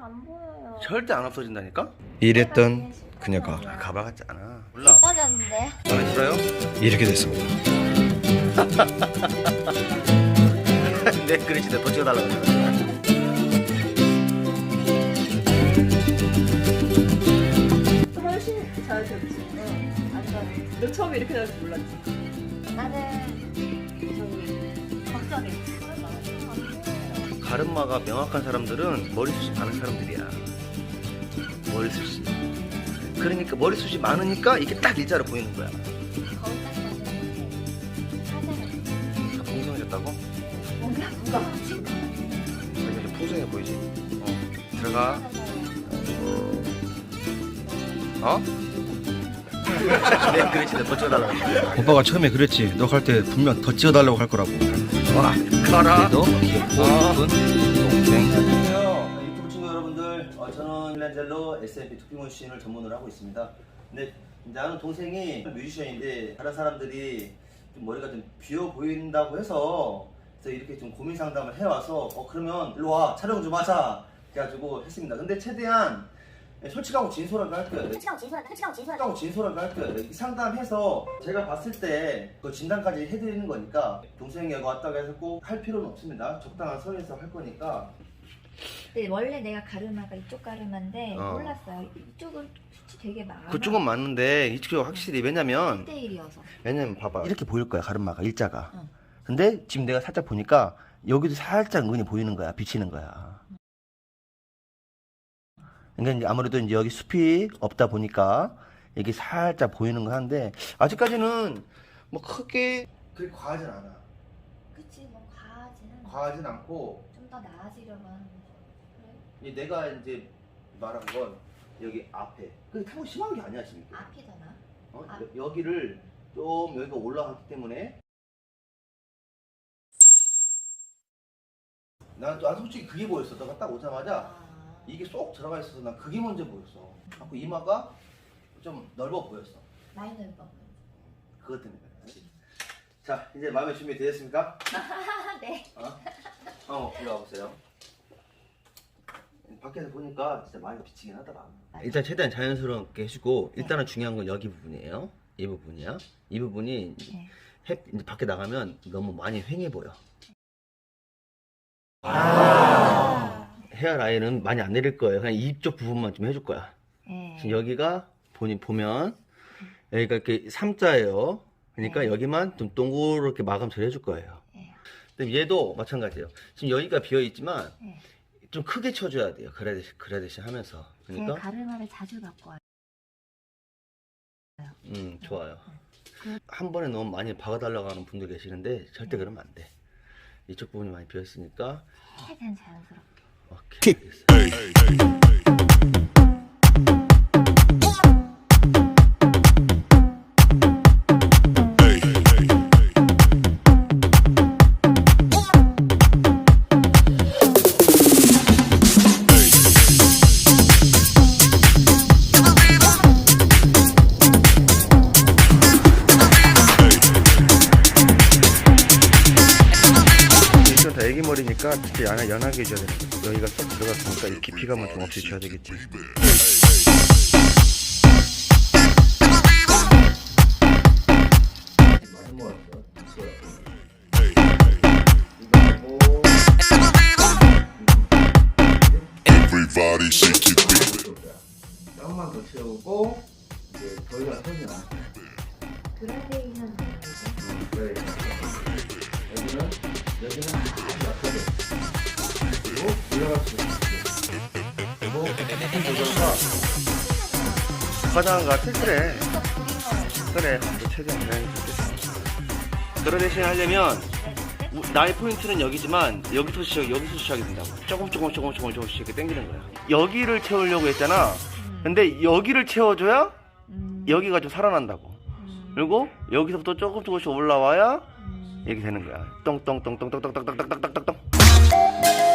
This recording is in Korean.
안 보여요. 절대 안 없어진다니까? 이랬던 그녀가 가발 같지 않아. 몰라. 예뻐졌는데? 마음에 들어요? 이렇게 됐습니다. 내 그릇인데 더 찍어달라고 그러잖아. 훨씬 잘하셨지. 완전. 너 처음에 이렇게 나올 줄 몰랐지. 나는 저기 걱정했지. 가르마가 명확한 사람들은 머리숱이 많은 사람들이야. 머리숱이. 그러니까 머리숱이 많으니까 이게 딱 일자로 보이는 거야. 거울 딱 봤는데 사진을 풍성해졌다고? 뭔가 그러니까 좀 풍성해 보이지? 들어가. 어? 내 그릇인데 더 찍어달라고 그러잖아. 오빠가 처음에 그랬지. 너 갈 때 분명 더 찍어달라고 할 거라고. 와, 가라. 그래도 귀엽고 예쁜 동생. 안녕하세요. 유튜브 친구 여러분들. 저는 필란젤로 SMP 투피머신을 전문으로 하고 있습니다. 근데 나는 동생이 뮤지션인데 다른 사람들이 좀 머리가 좀 비어 보인다고 해서 그래서 이렇게 좀 고민 상담을 해와서 그러면 일로 와 촬영 좀 하자 그래가지고 했습니다. 근데 최대한 솔직하고 진솔하게 할 거예요. 솔직하고 진솔하게 할 거예요. 이 상담해서 제가 봤을 때 그 진단까지 해드리는 거니까 동생이 여기 왔다고 해서 꼭 할 필요는 없습니다. 적당한 선에서 할 거니까. 근데 원래 내가 가르마가 이쪽 가르마인데 어. 몰랐어요. 이쪽은 수치 되게 많아. 그쪽은 맞는데 이쪽이 확실히 왜냐면 1대1이어서. 왜냐면 봐봐 이렇게 보일 거야 가르마가 일자가. 응. 근데 지금 내가 살짝 보니까 여기도 살짝 은근히 보이는 거야. 비치는 거야. 그러니까 이제 아무래도 이제 여기 숲이 없다 보니까 이게 살짝 보이는 거 한데 아직까지는 뭐 크게 그렇게 과하진 않아. 그치 뭐 과하진 않고 좀 더 나아지려고 하는 거지. 그래? 내가 이제 말한 건 여기 앞에 그게 타고 심한 게 아니야 지금. 앞이 더 나아? 아. 여기를 좀 여기가 올라갔기 때문에 난 솔직히 그게 보였어. 너가 딱 오자마자 이게 쏙 들어가 있어서 난 그게 먼저 보였어. 자꾸 이마가 좀 넓어 보였어. 많이 넓어. 그것 때문에. 자, 이제 마음의 준비 되셨습니까? 네. 이리 와보세요. 밖에서 보니까 진짜 많이 비치긴 하더라. 일단 최대한 자연스럽게 해주고 일단은 중요한 건 여기 부분이에요. 이 부분이야. 이 부분이 네. 이제 밖에 나가면 너무 많이 휑해 보여. 헤어라인은 많이 안 내릴 거예요. 그냥 이쪽 부분만 좀 해줄 거야. 네. 지금 여기가 보면 여기가 이렇게 3자예요. 그러니까 네. 여기만 좀 동그랗게 마감 처리 해줄 거예요. 네. 근데 얘도 마찬가지예요. 지금 여기가 비어 있지만 네. 좀 크게 쳐줘야 돼요. 그라데이션 하면서. 제가 그러니까 가르마를 자주 갖고 와요. 좋아요. 그- 한 번에 너무 많이 박아달라고 하는 분들 계시는데 절대 그러면 안 돼. 이쪽 부분이 많이 비어 있으니까 최대한 자연스럽게. 오케이. 알겠어요. 이건 다 애기 머리니까 특히 연하게 해줘야 되는 거야. 여기가 쏙 들어갔으니까 이 깊이감은 좀 없이 줘야 되겠지. Everybody shake it, baby. 조금만 더 채우고 이제 더 이상 손이 나. 그라데이션 그래. 여기는 아주 약하게. 그리고 올라갈 수 있게. 그리고 조금 조절과 화장한 것 같아? 그래. 최대한 자연히 좋겠어. 그라데이션 하려면 나의 포인트는 여기지만 여기서 시작이 된다고. 조금씩 이렇게 당기는 거야. 여기를 채우려고 했잖아. 근데 여기를 채워줘야 여기가 좀 살아난다고. 그리고 여기서부터 조금씩 올라와야 이렇게 되는 거야. 똥똥똥똥똥똥똥똥똥똥똥똥.